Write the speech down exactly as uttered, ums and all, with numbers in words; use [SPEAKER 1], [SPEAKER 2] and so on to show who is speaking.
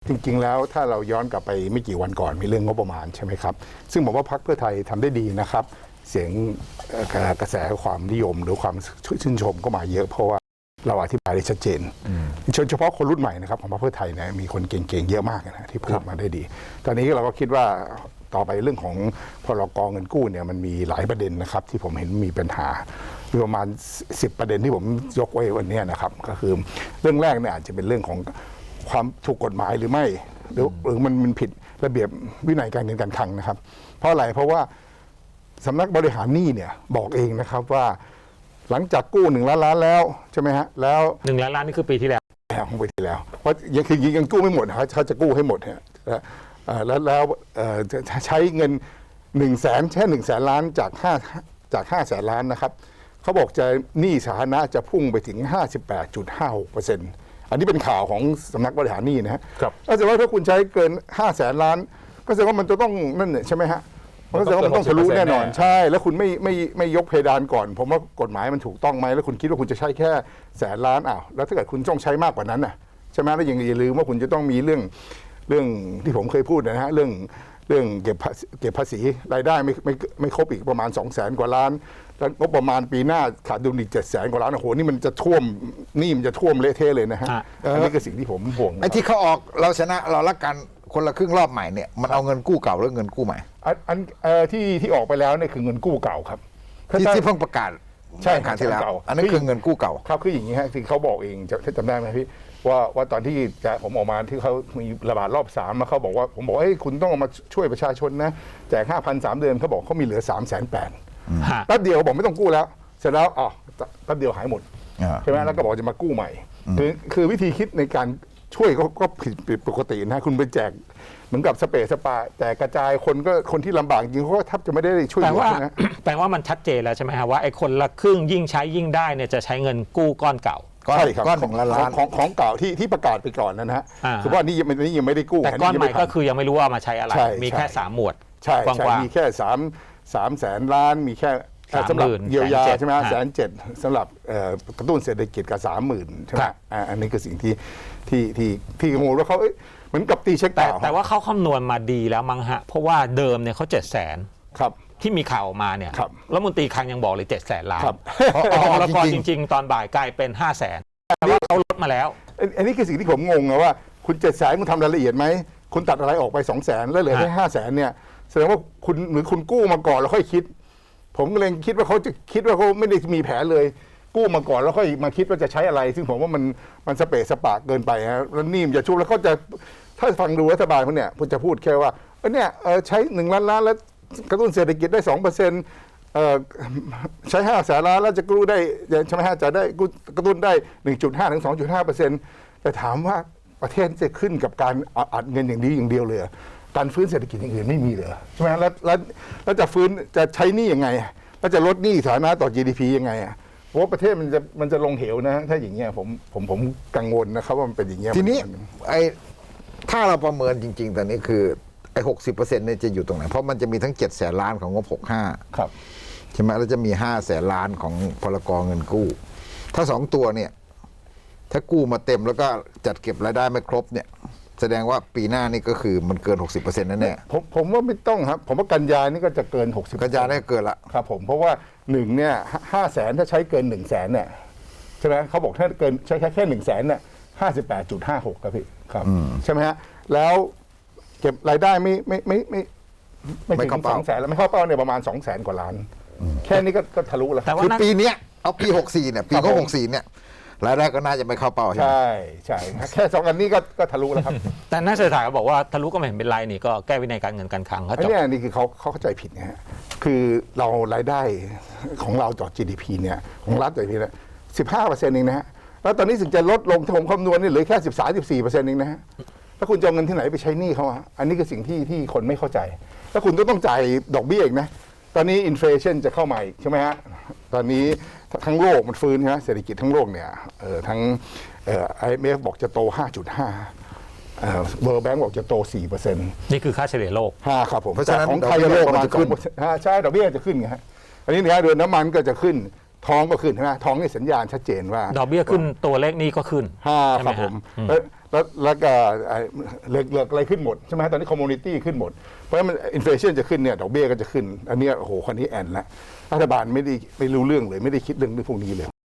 [SPEAKER 1] จริงๆแล้วถ้าเราย้อนกลับไปไม่กี่วันก่อนมีเรื่องงบประมาณใช่ไหมครับซึ่งผมว่าพรรคเพื่อไทยทำได้ดีนะครับเสียงกระแสความนิยมหรือความชื่นชมก็มาเยอะเพราะว่าเราอธิบายได้ชัดเจนเฉพาะคนรุ่นใหม่นะครับของพรรคเพื่อไทยเนี่ยมีคนเก่งๆเยอะมากนะที่พูดมาได้ดีตอนนี้เราก็คิดว่าต่อไปเรื่องของพรกเงินกู้เนี่ยมันมีหลายประเด็นนะครับที่ผมเห็นมีปัญหามีประมาณสิบประเด็นที่ผมยกไว้วันนี้นะครับก็คือเรื่องแรกเนี่ยอาจจะเป็นเรื่องของความถูกกฎหมายหรือไม่หรือหรือมันมันผิดระเบียบวินัยการเงินการคลังนะครับเพราะอะไรเพราะว่าสำนักบริหารหนี้เนี่ยบอกเองนะครับว่าหลังจากกู้หนึ่งล้านล้านแล้วใช่ไหมฮะแล้ว
[SPEAKER 2] หนึ่งล้านล้านนี่คือปีที่แล้ว
[SPEAKER 1] ของปีที่แล้วเพราะยังคือยังกู้ไม่หมดนะครับเขาจะกู้ให้หมดเนี่ยแล้วแล้วใช้เงินหนึ่งแสนแค่หนึ่งแสนล้านจากห้าจากห้าแสนล้านนะครับเขาบอกจะหนี้สาธารณะจะพุ่งไปถึง ห้าสิบแปดจุดห้าหกเปอร์เซ็นต์ อันนี้เป็นข่าวของสำนักบริหารหนี้นะครับก็แสดงว่าถ้าคุณใช้เกินห้าแสนล้านก็แสดงว่ามันจะต้องนั่นเนี่ยใช่ไหมฮะก็แสดงว่ามันต้องทะลุแน่นอนใช่แล้วคุณไม่ไม่ไม่ยกเพดานก่อนผมว่ากฎหมายมันถูกต้องไหมแล้วคุณคิดว่าคุณจะใช้แค่แสนล้านอ้าวแล้วถ้าเกิดคุณต้องใช้มากกว่านั้นน่ะใช่ไหมแล้วอย่าลืมว่าคุณจะต้องมีเรื่องเรื่องที่ผมเคยพูดนะฮะเรื่องเรื่องเก็บเก็บภาษีรายได้ไม่ไม่ไม่ครบอีกประมาณสองแสนกว่าล้านแล้วงบประมาณปีหน้าขาดดุลอีกเจ็ดแสนกว่าล้านโอ้โหนี่มันจะท่วมนี่มันจะท่วมเละเทะเลยนะฮะอันนี้คือสิ่งที่ผมห่วง
[SPEAKER 3] ไอ้ที่เขาออกเราชนะเราละกันคนละครึ่งรอบใหม่เนี่ยมันเอาเงินกู้เก่าหรือเงินกู้ใหม่
[SPEAKER 1] อันอันที่ที่ออกไปแล้วเนี่ยคือเงินกู้เก่าครับ
[SPEAKER 3] ที่ที่เพิ่งประกาศ
[SPEAKER 1] ใช่
[SPEAKER 3] การที่แล้วอันนั้นคือเงินกู้เก่า
[SPEAKER 1] ครับคืออย่างนี้ฮะที่เขาบอกเองจะจำได้ไหมพี่ว่าว่าตอนที่จะผมออกมาที่เขามีระบาดรอบสามแล้วเขาบอกว่าผมบอกว่าคุณต้องมาช่วยประชาชนนะแจกห้าพันสามเดือนเขาบอกเขามีเหลือสามแสนแปดแป๊บเดียวบอกไม่ต้องกู้แล้วเสร็จแล้วอ๋อแป๊บเดียวหายหมดใช่ไหมแล้วก็บอกจะมากู้ใหม่คือคือวิธีคิดในการช่วยก็ผิดปกตินะคุณไปแจกเหมือนกับสเปรย์สปาแต่กระจายคนก็คนที่ลำบากจริงเขาก็แทบจะไม่ได้ช่วยเหลือนะ
[SPEAKER 2] แปลว่ามันชัดเจนแล้วใช่ไหมครับว่าไอ้คนละครึ่งยิ่งใช้ยิ่งได้เนี่ยจะใช้เงินกู้ก้อนเก่า
[SPEAKER 1] ใช่ครับ
[SPEAKER 3] ก้อนหนึ่งล้านล้าน
[SPEAKER 1] ของของเก่าที่ที่ประกาศไปก่อนนะฮะคือว่านี่ยังนี่ยังไม่ได้กู้
[SPEAKER 2] แต่ก้อนใหม่ก็คือยังไม่รู้ว่ามาใช้อะไรมีแค่สามหมวด
[SPEAKER 1] ใช่ใช่มีแค่สามสามแสนล้านมีแค่สำหรับเยียวยาใช่ไหมแสนเจ็ดสำหรับกระตุ้นเศรษฐกิจกับสามหมื่นใช่ไหมอันนี้คือสิ่งที่ที่ที่ที่กังวลว่าเขาเหมือนกับตีเช็ค
[SPEAKER 2] แต่แต่ว่าเขาคำนวณมาดีแล้วมั้งฮะเพราะว่าเดิมเนี่ยเขาเจ็ดแสน
[SPEAKER 1] ครับ
[SPEAKER 2] ที่มีข่าวออกมาเนี่ยแล้วมนตรีคลังยังบอกเลยเจ็ดแสนล้านแล้วก็จริงๆตอนบ่ายกลายเป็นห้าแสนแต่ว่าเขาลดมาแล้ว
[SPEAKER 1] อันนี้คือสิ่งที่ผมงงนะว่าคุณเจ็ดแสนคุณทำรายละเอียดไหมคุณตัดอะไรออกไปสองแสนแล้วเหลือแค่ห้าแสนเนี่ยแสดงว่าคุณหรือคุณกู้มาก่อนแล้วค่อยคิดผมก็เลยคิดว่าเขาจะคิดว่าเขาไม่ได้มีแผนเลยกู้มาก่อนแล้วค่อยมาคิดว่าจะใช้อะไร ซึ่งผมว่ามันมันสเปะสปะเกินไปฮะแล้วนี่มันจะชุบแล้วเขาจะถ้าฟังดูรัฐบาลเขาเนี่ยผมจะพูดแค่ว่าเออเนี่ยใช้หนึ่งล้านล้านแล้วกระตุ้นเศรษฐกิจได้สองเปอร์เซ็นต์ใช้ห้าแสนล้านแล้วจะกู้ได้ใช่ไหมฮะจะได้กระตุ้นได้หนึ่งจุดห้าถึงสองจุดห้าเปอร์เซ็นต์แต่ถามว่าประเทศจะขึ้นกับการอัดเงินอย่างนี้อย่างเดียวเลยการฟื้นเศรษฐกิจอย่างอื่นไม่มีเลยใช่ไหมแล้วแล้วแล้วจะฟื้นจะใช้หนี้ยังไงแล้วจะลดหนี้สาธารณะต่อ จี ดี พี ยังไงอ่ะเพราะว่าประเทศมันจะมันจะลงเหวนะถ้าอย่างเงี้ยผมผมผมกังวลนะครับว่ามันเป็นอย่างเงี้ย
[SPEAKER 3] ทีนี้ไอ้ถ้าเราประเมินจริงๆตอนนี้คือไอ้หกสิบเปอร์เซ็นต์เนี่ยจะอยู่ตรงไหนเพราะมันจะมีทั้งเจ็ดแสนล้านของงบหกห้า
[SPEAKER 1] ครับ
[SPEAKER 3] ใช่ไหมแล้วจะมีห้าแสนล้านของพรกเงินกู้ถ้าสองตัวเนี่ยถ้ากู้มาเต็มแล้วก็จัดเก็บรายได้ไม่ครบเนี่ยแสดงว่าปีหน้านี่ก็คือมันเกิน หกสิบเปอร์เซ็นต์ นั่นแน่
[SPEAKER 1] ผมผมว่าไม่ต้องครับผมว่ากันยานี่ก็จะเกินหกสิบ
[SPEAKER 3] กันยาได้เกินละ
[SPEAKER 1] ครับผมเพราะว่าหนึ่งเนี่ยห้าแสนถ้าใช้เกินหนึ่งแสนเนี่ยใช่ไหมเขาบอกถ้าเกินใช้แค่แค่หนึ่งแสนเนี่ยห้าสิบแปดจุดห้าหกครับพี่ครับใช่ไหมฮะแล้วเก็บรายได้ไม่ไม่ไม่ไม่ไม่ถึงสองแสนแล้วไม่เข้าเป้าเนี่ยประมาณสองแสนกว่าล้านแค่นี้ก็ก็ทะลุแล้ว
[SPEAKER 3] คือปีนี้เอาปีหกสี่เนี่ยปีก็หกสี่เนี่ยรายได้ก็น่าจะไม่เข้าเป้า
[SPEAKER 1] ใช่ใช่แค่สองอันนี้ก็ก็ทะลุแล้วครับ
[SPEAKER 2] แต่นักเศรษฐศาสตร์บอกว่าทะลุก็ไม่เห็นเป็นไรนี่ก็แก้วินัยการเงินการคลังเขาจบ
[SPEAKER 1] เนี่ยนี่คือเขาเขาเข้าใจผิดนะฮะคือเรารายได้ของเราต่อ จี ดี พี เนี่ยของรัฐต่อ จี ดี พี เนี่ยสิบห้าเปอร์เซ็นต์เองนะฮะแล้วตอนนี้ถึงจะลดลงถ้าผมคำนวณนี่เหลือแค่สิบสามสิบสี่เปอร์เซ็นต์เองนะฮะถ้าคุณจะเอาเงินที่ไหนไปใช้หนี้เขาอ่ะอันนี้คือสิ่งที่ที่คนไม่เข้าใจแล้วคุณก็ต้องจ่ายดอกเบี้ยอีกนะตอนนี้อินเฟลชันจะเข้ามาอีกใช่ไหมฮะตอนนี้ทั้งโลกมันฟื้นใช่ไหมเศรษฐกิจทั้งโลกเนี่ยเอ่อทั้งเอ่อ ไอ เอ็ม เอฟ บอกจะโต ห้าจุดห้า เอ่อ World Bank บอกจะโต สี่เปอร์เซ็นต์
[SPEAKER 2] นี่คือค่าเฉลี่ยโลก
[SPEAKER 1] ห้าครับผม
[SPEAKER 3] เพราะฉะนั้น
[SPEAKER 1] ของไทยโลกประมาณขึ้นใช่ดอกเบี้ยจะขึ้นไงฮะอันนี้เนี่ยเดือนน้ำมันก็จะขึ้นทองก็ขึ้นใช่ไหมทองนี่สัญญาณชัดเจนว่า
[SPEAKER 2] ดอกเบี้ยขึ้นตัวเลขนี้ก็ขึ้น
[SPEAKER 1] ห้าครับผมแล้วแล้วก็ไอ้เหลือเหลืออะไรขึ้นหมดใช่ไหมตอนนี้คอมมูนิตี้ขึ้นหมดเพราะฉะนั้นอินฟลชันจะขึ้นเนี่ยดอกเบี้ยก็จะขึ้น อันเนี้ยโอ้โหคนนี้แอนละรัฐบาลไม่ได้ไม่รู้เรื่องเลยไม่ได้คิดเรื่องพวกนี้เลย